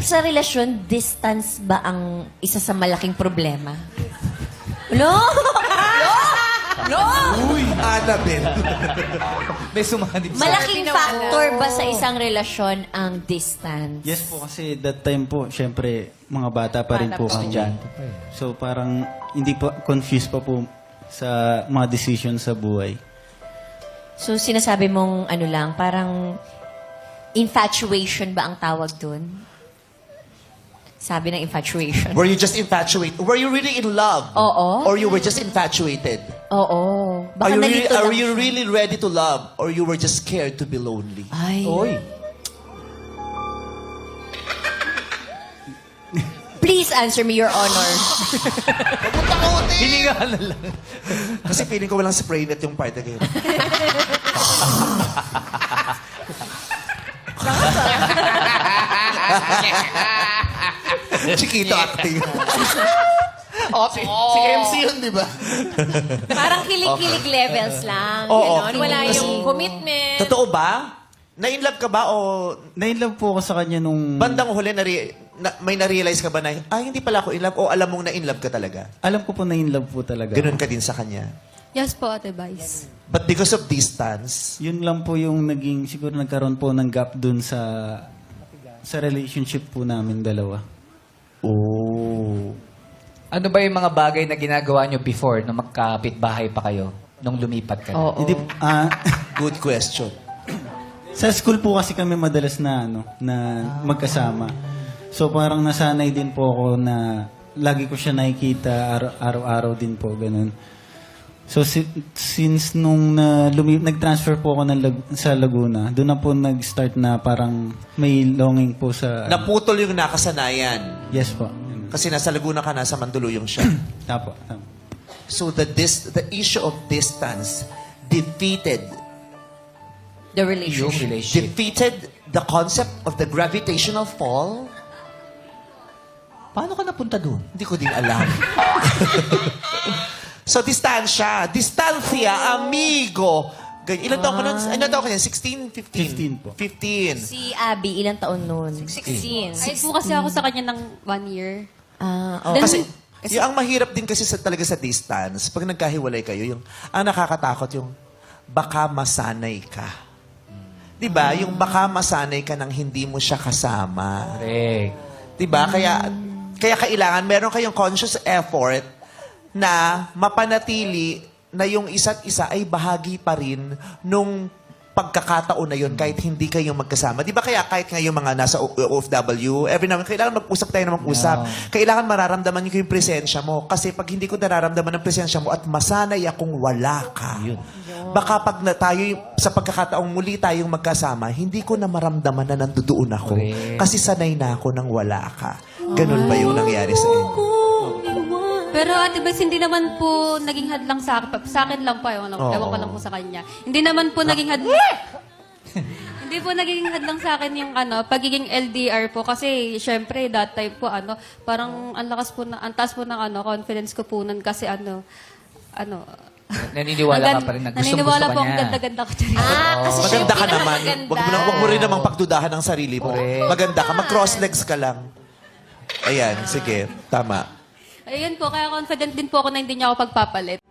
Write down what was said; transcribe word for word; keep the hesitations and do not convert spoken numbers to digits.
sa relasyon, distance ba ang isa sa malaking problema? No? No? Uy, Annabelle. May sumanib sa... Malaking factor ba sa isang relasyon ang distance? Yes po, kasi that time po, syempre, mga bata pa rin Bata po pa. kami. So parang hindi po, confused pa po sa mga decision sa buhay. So sinasabi mong ano lang, parang infatuation ba ang tawag dun? Sabi ng infatuation. Were you just infatuated? Were you really in love? Oo. Or you were just infatuated? Oo. Are Baka you, really, nalito are lang you siya. really ready to love? Or you were just scared to be lonely? Ay. Oy. Please answer me, Your Honor. Hininga na lang. Kasi feeling ko walang spray net yung part again. Chiquito acting. Oh, si, si M C yun, di ba? Parang kilig-kilig levels lang. Oo. Ganon. Wala yung commitment. Totoo ba? Na-inlove ka ba o Na-inlove po ako sa kanya nung... bandang huli nare- na, may na-realize ka ba na, ay, hindi pala ako in love o alam mong na-inlove ka talaga? Alam ko po na-inlove po talaga. Ganun ka din sa kanya. Yes po, Ate Vice. But because of distance, Yun lang po yung naging, siguro nagkaroon po ng gap dun sa sa relationship po namin dalawa. oh, Ano ba yung mga bagay na ginagawa nyo before nung magkapit-bahay pa kayo? Nung lumipat ka na? Oo. Hindi, ah, good question. sa school po kasi kami madalas na, ano, na magkasama. So parang nasanay din po ako na lagi ko siya nakikita araw- araw-araw din po, ganun. So si- since nung na lumi- nag-transfer po ako ng Lag- sa Laguna, doon na po nag-start na parang may longing po sa... Naputol yung nakasanayan. Yes po. Kasi nasa Laguna ka, nasa Mandaluyong siya. Tapo, tapo. So the dis- the issue of distance defeated The Yung relationship. relationship. defeated the concept of the gravitational fall. Paano ka napunta doon? Hindi ko din alam. So, distansya. Distancia, amigo. Ganyan. Ilan taon ka nun? Ilan taon ka niyan? sixteen? fifteen? fifteen po. fifteen. Si Abby, ilang taon nun? sixteen. Ay po kasi ako sa kanya ng one year. Ah, oh. Then- Kasi, yung ang mahirap din kasi sa, talaga sa distance, pag nagkahiwalay kayo, yung, ang nakakatakot yung, baka masanay ka. Di ba? Yung baka masanay ka nang hindi mo siya kasama. Correct. Di ba? Kaya, kaya kailangan, meron kayong conscious effort na mapanatili na yung isa't isa ay bahagi pa rin nung pagkakataon na yun kahit hindi kayo magkasama. Di ba kaya kahit nga yung mga nasa O F W, every now and then, kailangan mag-usap tayo na mag-usap. Kailangan mararamdaman nyo yung presensya mo. Kasi pag hindi ko nararamdaman ang presensya mo at masanay akong wala ka, baka pag na tayo y- sa pagkakataong muli tayong magkasama, hindi ko na maramdaman na nandoon ako. Correct. Kasi sanay na ako nang wala ka. Ganun ba yung nangyari sa inyo? Pero Ate Vice, hindi naman po naging hadlang sa akin. Sa akin lang po, ewan, Oo. ewan ko lang po sa kanya. Hindi naman po naging hadlang... Hindi po naging hadlang sa akin yung ano, pagiging L D R po. Kasi, syempre, that time po, ano, parang ang lakas po, na, ang taas po ng ano, confidence ko po nun. Kasi ano, ano... Naniniwala ka ang gan- pa rin na Naniniwala gustong-gusto po ka ang niya. ganda-ganda ko. Charis. Ah, kasi siya Maganda yung ka naman. pinakamaganda. Wag mo, na, wag mo rin namang pagdudahan ng sarili mo. Correct. Maganda ka. Mag-cross legs ka lang. Ayan, sige. Tama. Ayun po, kaya confident din po ako na hindi niya ako pagpapalit.